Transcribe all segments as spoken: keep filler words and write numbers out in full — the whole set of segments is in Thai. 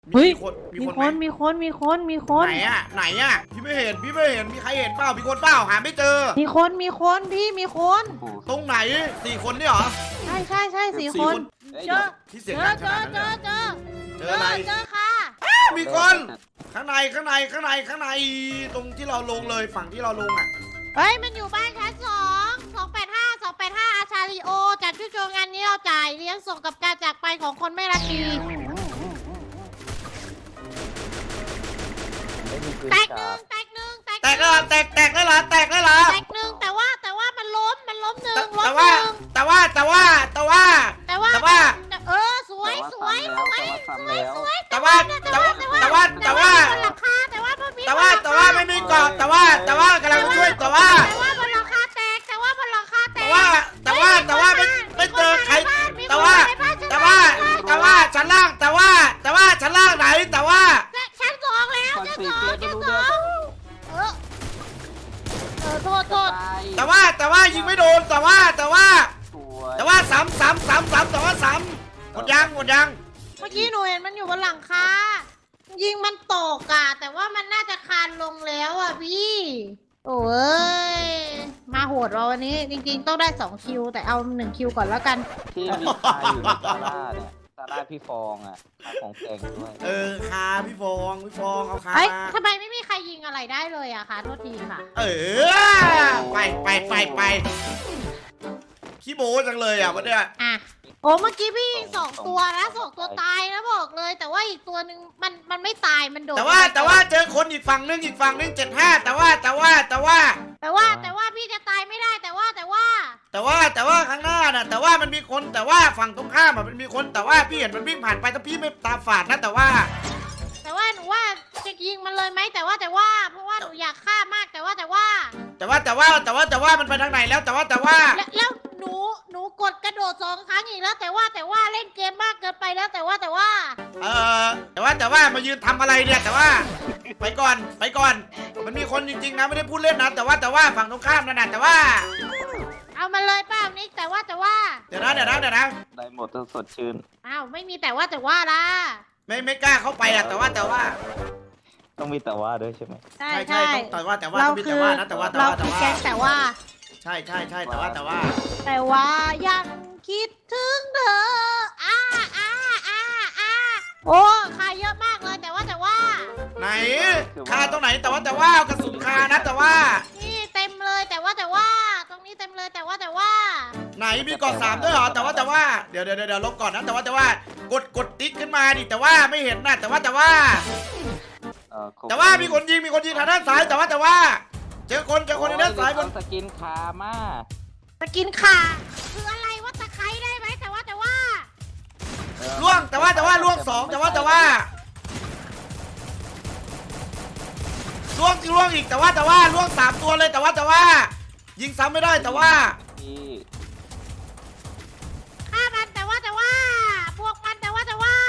เฮ้ยคนมีมีคนคไหมนมีคนมีคนมีคนไหนอะไหนอะพี่ไม่เห็นพี่ไม่เห็นมีใครเห็นเปล่ามีคนเปล่าหาไม่เจอมีคนมีคนพี่มีคนตรงไหนสี่คนนี่เหรอใช่ใช่ใช่สี่สี่คนคนเจอที่เจเสียงอดังขเจอนาดนั้นเจเลอย เจอเจออะไรเจอค่ะมีคนข้างในข้างในข้างในข้างในตรงที่เราลงเลยฝั่งที่เราลงอะเฮ้ยมันอยู่บ้านชั้นสองสองแปดห้าสองแปดห้าอาชาริโอจัดชุดโชว์งานนี้เราจ่ายเลี้ยงส่งกับการจากไปของคนไม่รักดีไม่มีปืนแตกหจานึ่กงแตกหนึ่งแตกแตกแล้วเหรอแตกแตกได้เหรอแตกได้เหรอแตกหนึ่งแต่ว่าแต่ว่ามันล้มมันล้มหนึ่งแต่ล้มแต่หว่านึ่งแต่ว่าแต่ว่าแต่ว่าแต่ว่าแต่ว่าเออสวยสวยสวยสวยสวยแต่ว่าแต่ว่าแต่ว่าแต่ว่าบนหลังคาแต่ว่าบนแต่ว่าแต่ว่าไม่มีเกาะแต่ว่าแต่ว่ากำลังจะช่วยแต่ว่าแต่ว่าบนหลังคาแตกแต่ว่าบนหลังคาแตแต่กว่าแต่ว่าแต่ว่าไม่ไม่เจอใครแต่ว่าแต่ว่าแต่ว่าชั้นล่างแต่ว่าแต่ว่าชั้นล่างไหนแต่ว่าชั้นสองแล้วคอนชั้นฟส lict องเลยไม่ชั้นรู้สเรื่อองงเออเออโทษโทษตายแต่ว่าแต่ว่ายิงไม่โดนแต่ว่าแต่ว่าสวยแต่ว่าสามสามสามสามแต่ว่าสามหมดยังหมดยังเมื่อกี้หนูเห็นมันอยู่บนหลังคายิงมันตกอะแต่ว่ามันน่าจะคานลงแล้วอะพี่โอ้ยมาโหดเราวันนี้จริงๆต้องได้สองคิวแต่เอาหนึ่งคิวก่อนแล้วกันที่มีคาอยู่ในซาร่าเนี่ยซาร่าพี่ฟองอ่ะขายของแพงด้วยเออคาพี่ฟองพี่ฟองเอาคาเฮ้ยมาทำไมไม่มีใครยิงอะไรได้เลยอะคะโทษทีค่ะเออไปไปไปไปขี้โม้จังเลยอ่ะวันเนี้ยอ่ะโอ้เมื่อกี้พี่ยิงสองตัวนะสองตัวตายนะบอกเลย แต่ว่าอีกตัวหนึ่งมันมันไม่ตายมันโดดแต่ว่าแต่ว่าเจอคนอีกฝั่งนึงอีกฝั่งนึงเจ็ดห้าแต่ว่าแต่ว่าแต่ว่าแต่ว่าแต่ว่าพี่จะตายไม่ได้แต่ว่าแต่ว่าแต่ว่าแต่ว่าข้างหน้าน่ะแต่ว่ามันมีคนแต่ว่าฝั่งตรงข้ามอ่ะมันมีคนแต่ว่าพี่เห็นมันวิ่งผ่านไปถ้าพี่ไม่ตาฝาดนะแต่ว่าแต่ว่าหนูว่าจะยิงมันเลยไหมแต่ว่าแต่ว่า เพราะว่าหนูอยากฆ่ามากแต่ว่าแต่ว่าแต่ว่าแต่ว่าแต่ว่าแต่ว่ามันไปทางไหนแล้วแต่ว่าแต่ว่าแล้วแล้วหนูหนูกดกระโดดสองครั้งอีกแล้ว แต่ว่าแต่ว่าเล่นเกมมากเกินไปแล้วแต่ว่าแต่ว่าเออแต่ว่าแต่ว่ามายืนทำอะไรเนี่ยแต่ว่า ไปก่อนไปก่อน มันมีคนจริงๆนะไม่ได้พูดเล่นนะแต่ว่าแต่ว่าฝั่งตรงข้ามนั่นน่ะแต่ว่าเอามาเลยป้านิกแต่ว่าแต่ว่าเดี๋ยวนะเดี๋ยวนะเดี๋ยวนะได้หมดจนสดชื่นอ้าวไม่มีแต่ว่าแต่ว่าล่ะไม่ไม่กล้าเข้าไปอ่ะแต่ว่าแต่ว่าต้องมีแต่ว่าด้วยใช่ไหมใช่ใช่ใช่ใช่ต้องแต่ว่าแต่ว่าเราต้องมีคืแต่อว่านะแต่ว่าแต่เราว่าแต่คือว่าแก๊งแต่ว่าใช่ใช่ใช่แต่ว่าแต่ว่าแต่ว่ายังคิดถึงเธออ้าอ้าอ้าอ้าโอ้คาเยอะมากเลยแต่ว่าแต่ว่าไหนคาตรงไหนแต่ว่าแต่ว่ากระสุนคานะแต่ว่านี่เต็มเลยแต่ว่าแต่ว่า ตรงนี้เต็มเลยแต่ว่าแต่ว่าไหนมีเกาะสามด้วยเหรอแต่ว่าแต่ว่าเดี๋ยวเดี๋ยวเดี๋ยวลบก่อนนะแต่ว่าแต่ว่ากดกดติ๊กขึ้นมาดิแต่ว่าไม่เห็นนะแต่ว่าแต่ว่าเออครบแต่ว่ามีคนยิงมีคนยิงทางด้านซ้ายแต่ว่าแต่ว่า เจอคนเจอคนทางด้านซ้ายบนสกินคามาจะกินขาคืออะไรว่าตะไคร้ได้ไหมแต่ว่าแต่ว่าล่วงแต่ว่าแต่ว่าล่วงสองแต่ว่าแต่ว่าล่วงล่วงอีกแต่ว่าแต่ว่าล่วงสามตัวเลยแต่ว่าแต่ว่า ยิงซ้ำไม่ได้แต่ว่าที่ฆ่ามันแต่ว่าแต่ว่า พวกมันแต่ว่าแต่ว่า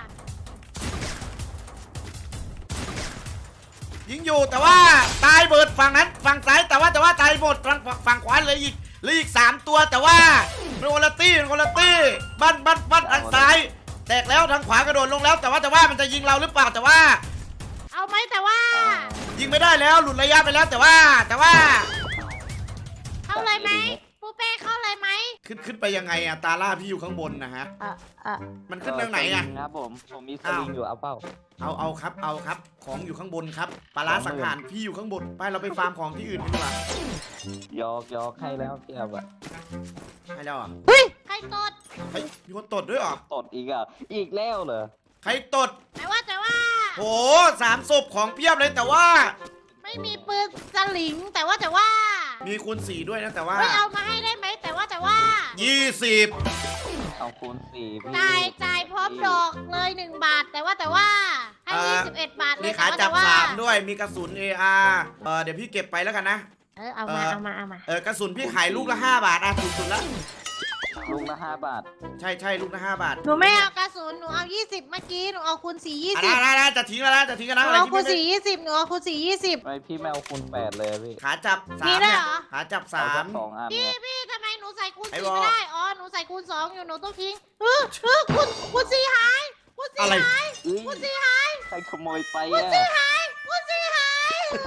ยิงอยู่แต่ว่าตายเบิดฝั่งนั้นฝั่งซ้ายแต่ว่าแต่ว่าตายหมดฝั่งฝั่งขวาเลยอีกเหลยอีกสามตัวแต่ว่าเป็นคนละตี้เป็นคนละตี้บ้านบ้านบ้านทางซ้าย แตกแล้วทางขวากระโดดลงแล้วแต่ว่าแต่ว่ามันจะยิงเราหรือเปล่าแต่ว่าเอาไหมแต่ว่ายิงไม่ได้แล้วหลุดระยะไปแล้วแต่ว่าแต่ว่าเข้าเลยไหมปูเป้เข้าเลยไหมขึ้นขึ้นไปยังไงอะตาล่าพี่อยู่ข้างบนนะฮะอ่ะอ่ะมันขึ้นทางไหนอะสลิงครับผมผมมีสอ้าวลิงอยู่เอาเปล่าเอาเอาครับเอาครับของอยู่ข้างบนครับปลาร้าสังหารพี่อยู่ข้างบนไปเราไปฟาร์มของที่อื่นกันดีกว่ายอกยอกให้แล้วพี่เอาอะให้แล้วอ่ะเฮ้ยใครตดเฮ้ยมีคนตดด้วยเหรอตดอีกอ่ะอีกแล้วเหรอใครตดแต่ว่าแต่ว่าโหสามศพของเพียบเลยแต่ว่าไม่มีปืนสลิงแต่ว่าแต่ว่ามีคูณสี่ด้วยนะแต่ว่าไม่เอามาให้ได้ไหมแต่ว่าแต่ว่ายี่สิบเอาคูณสี่พี่จ่ายจ่ายพร้อมดอกเลยหนึ่งบาทแต่ว่าแต่ว่าให้ยี่สิบเอ็ดบาทเลมียขาแต่จับว่าสามด้วยมีกระสุน เอ อาร์ เออเดี๋ยวพี่เก็บไปแล้วกันนะเออเอามาเอามาเอามาเออกระสุนพี่ขายลูกละห้าบาทอ่ะถูกสุดละลูกละห้าบาทใช่ใช่ลูกละห้าบาทหนูไม่เอากระสุนหนูเอายี่สิบเมื่อกี้หนูเอาคูณสี่ยี่อ่ะสิบได้ได้ได้จะทิ้งแล้วนะจะทิ้งกันหนะนูอะไรเอาที่คูณไม่สี่ยี่สิบหนูเอาคูณสี่ยี่สิบไม่พี่ไม่เอาคูณแปดเลยพี่ขาจับสามีมด้วยเนี่ยเหรอขาจับสาเอาสัมกสองอันพี่เนี่ยพี่ทำไมหนูใส่คูณไอ้สี่บอไม่ได้อ๋อหนูใส่คูณสองอยู่หนูต้องทิ้งเออเออคูณคูณสี่หายพูดสิอะไรหายเอ้ยพูดสิหายใครขโมยไปพูดอ่ะสิหายพูดสิหาย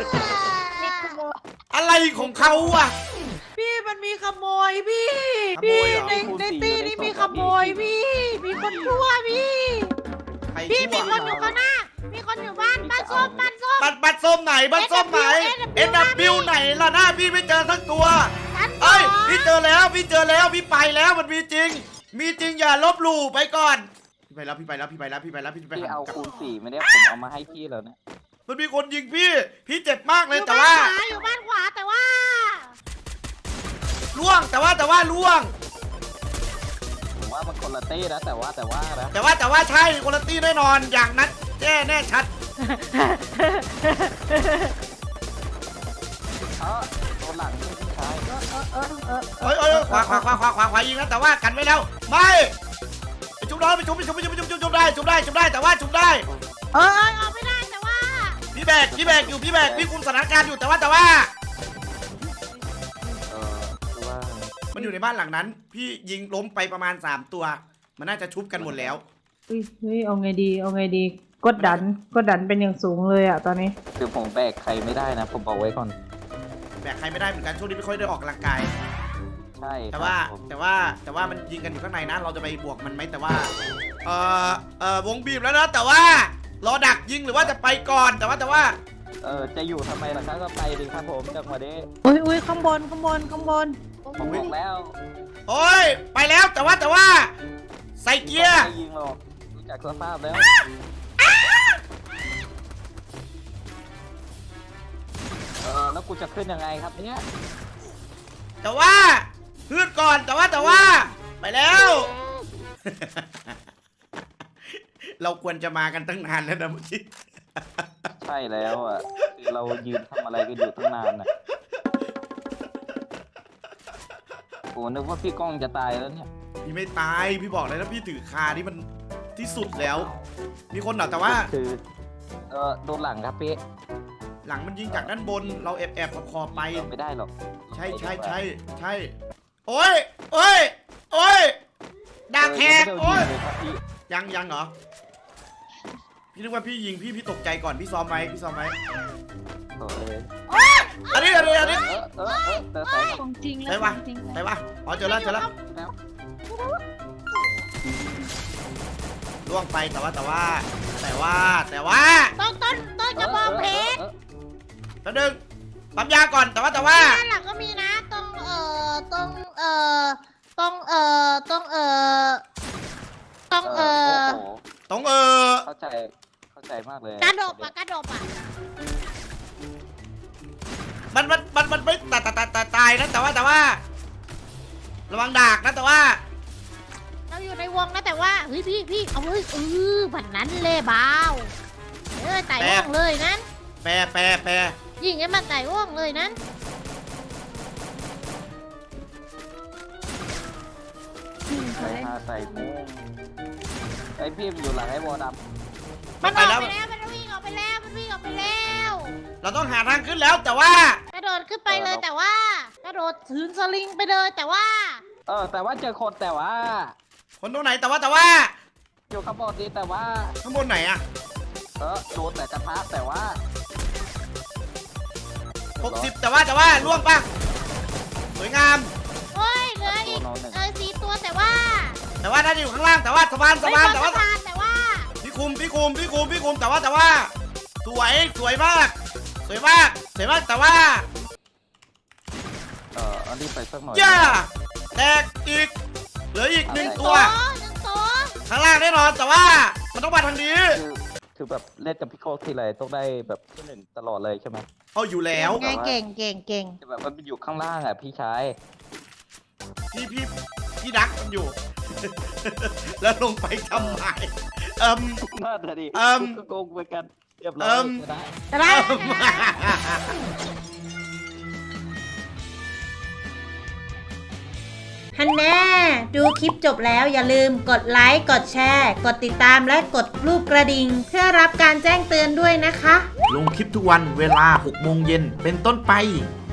อะไรของเขาอะพี่มันมีขโมยพี่ขโมพี่ยเหรอในในตีนี่มีขโมยพี่ มีคนชั่วพี่ใครพี่ชั่มีวคนอยู่ข้างหน้า มีคนอยู่บ้านบ้านส้มบ้านส้มบัตรบัตรส้มไหนบัตรส้มไหน เอ็น ดับเบิลยู ไหนล่ะหน้าพี่ไม่เจอสักตัวฉันเอ้ยพี่เจอแล้วพี่เจอแล้วพี่ไปแล้วมันมีจริง มีจริงอย่าลบหลู่ไปก่อนพี่ไปแล้วพี่ไปแล้วพี่ไปแล้วพี่ไปแล้วพี่ไปพี่หาเอากับคูณสี่ไม่ได้ผมเอามาให้พี่แล้วเนี่ยมันมีคนยิงพี่ พี่เจ็บมากเลอย ยู่แต่บ้านว่าขวาอยู่บ้านขวาแต่ว่าล่วงแต่ว่าแต่ว่าล่วงผมว่ามันคนละเต้นะแต่ว่าแต่ว่านะแต่ว่าแต่ว่าใช่คุณภาพแน่นอนอย่างนั้นแน่แน่ชัดเออโดนหลังนี่พี่ชายเอ้ยเอ้ยเอ้ยขวาขวาขวาขวาขวาขวายิงนะแต่ว่ากันไว้แล้วไม่ไปจุบได้ไปจุบไปจุบไปจุบไปจุบจุบได้จุบได้จุบได้แต่ว่าจุบได้เออเออเอาไม่ได้แต่ว่าพี่แบกพี่แบกอยู่พี่แบกพี่คุมสถานการณ์อยู่แต่ว่าแต่ว่าเออคือว่ามันอยู่ในบ้านหลังนั้น พี่ยิงล้มไปประมาณสามตัว มันน่าจะชุบกันหมดแล้วเฮ้ยเฮ้ยเอาไงดีเอาไงดีกดดันกดดันเป็นอย่างสูงเลยอะตอนนี้คือผมแบกใครไม่ได้นะ ผมบอกไว้ก่อนแบกใครไม่ได้เหมือนกันช่วงนี้ไม่ค่อยได้ออกกำลังกายใช่ครับแต่ว่าผมแต่ว่าแต่ว่ามันยิงกันอยู่ข้างในนะ เราจะไปบวกมันไหมแต่ว่าเออเออวงบีบแล้วนะแต่ว่ารอดักยิงหรือว่าจะไปก่อนแต่ว่าแต่ว่าเออจะอยู่ทำไมล่ะครับก็ไปดิครับผมจังหวะนี้อุ้ยอุ้ยข้างบนข้างบนข้างบนผมบอกแล้วโอ้ยไปแล้วแต่ว่าแต่ว่า ใส่เกียร์ไม่ยิงหรอกดูจากสภาพแล้วเออแล้วกูจะขึ้นยังไงครับเนี่ยแต่ว่าพืดก่อนแต่ว่าแต่ว่า ไปแล้ว เราควรจะมากันตั้งนานแล้วนะเมื่อกี้ใช่แล้วอ่ะคือเรายืนทำอะไรกันอยู่ตั้งนานน่ะโอ้นึกว่าพี่ก้องจะตายแล้วเนี่ยพี่ไม่ตายพี่บอกเลยนะพี่ถือคาที่มันที่สุดแล้ว มีคนเหรอแต่ว่าคือเออโดนหลังครับพี่หลังมันยิงจากด้านบน เราแอบแอบขอบๆไปไม่ได้หรอกใช่ใช่ใช่ใช่โอ้ยโอ้ยโอ้ยดาบแขกเออโอ้ยยังไม่ได้ยิงเลยครับพี่ยังยังเหรอพี่นึกว่าพี่ยิงพี่พี่ตกใจก่อนพี่ซ้อมไหมพี่ซ้อมไหมโอ้ยอันนี้อันนี้อันนี้เออเออเออแต่ใส่ของจริงแล้วใช่ปะของจริงใช่ปะอ๋อเจอแล้วเจอแล้วแล้วล่วงไปแต่ว่าแต่ว่า แต่ว่าแต่ว่าต้นต้นต้นกระบองเพชรแป๊บนึงปั๊มยาก่อนแต่ว่าแต่ว่าด้านหลังก็มีนะตรงเอ่อตรงเอ่อตรงเอ่อตรงเอ่อตรงเอเอ่ออโอ้โหตรงเออเข้าใจเข้าใจมากเลยกระดบอะกระดบอะมันมันมันมันไม่ตายตายตายตายตายนะแต่ว่าแต่ว่า ระวังดากนะแต่ว่าเราอยู่ในวงนะแต่ว่าเฮ้ยพี่พี่เอาเฮ้ยเออแบบนั้นเลยบ้าวเออไต่ว่องเลยนั้นแปรแปรแปรยิงให้มันไต่ว่องเลยนั้นใส่ผ้าใส่มุ้งไอพี่มันอยู่หลังไอ้วอดมันออกไปแล้วมันวิ่งออกไปแล้วมันวิ่งออกไปแล้วเราต้องหาทางขึ้นแล้วแต่ว่ากระโดดขึ้นไปเลยแต่ว่ากระโดดถืนสลิงไปเลยแต่ว่าำเออ แต่ว่าเจอคนแต่ว่าคนตรงไหนแต่ว่าแต่ว่าอยู่ข้างบนดีแต่ว่าข้างบนไหนอะเออโดนแต่กระทะแต่ว่าหกสิบแต่ว่าแต่ว่าล่วงปะสวยงามโอ้ยเหลืออีกเออสี่ตัวแต่ว่าแต่ว่าน่าจะอยู่ข้างล่างแต่ว่าสะพานสะพานแต่ว่าสะพานแต่ว่าพี่คุมพี่คุมพี่คุมพี่คุมแต่ว่าแต่ว่า สวยสวยมาก สวยมากสวยมากแต่ว่าเอออันนี้ไปสักหน่อยย่าแตกอีกเหลืออีกหนึ่งตัวหนึ่งตัวข้างล่างแน่นอนแต่ว่ามันต้องมาทางนี้คือคือแบบเล่นกับพี่โก้ทีไรต้องได้แบบที่หนึ่งตลอดเลยใช่ไหมเอาอยู่แล้วไงเก่งเก่งเก่งแต่แบบมันอยู่ข้างล่างอ่ะพี่ชายพี่พี่พี่ดักมันอยู่ แล้วลงไปทำไมเอิมน่าจะดีเอิ่มก็โกงไปกันเรียบร้อเอิ่ยมชนะแต่ละฮันแน่ดูคลิปจบแล้วอย่าลืมกดไลค์กดแชร์ กดติดตามและกดรูปกระดิ่งเพื่อรับการแจ้งเตือนด้วยนะคะลงคลิปทุกวันเวลาหกโมงเย็นเป็นต้นไป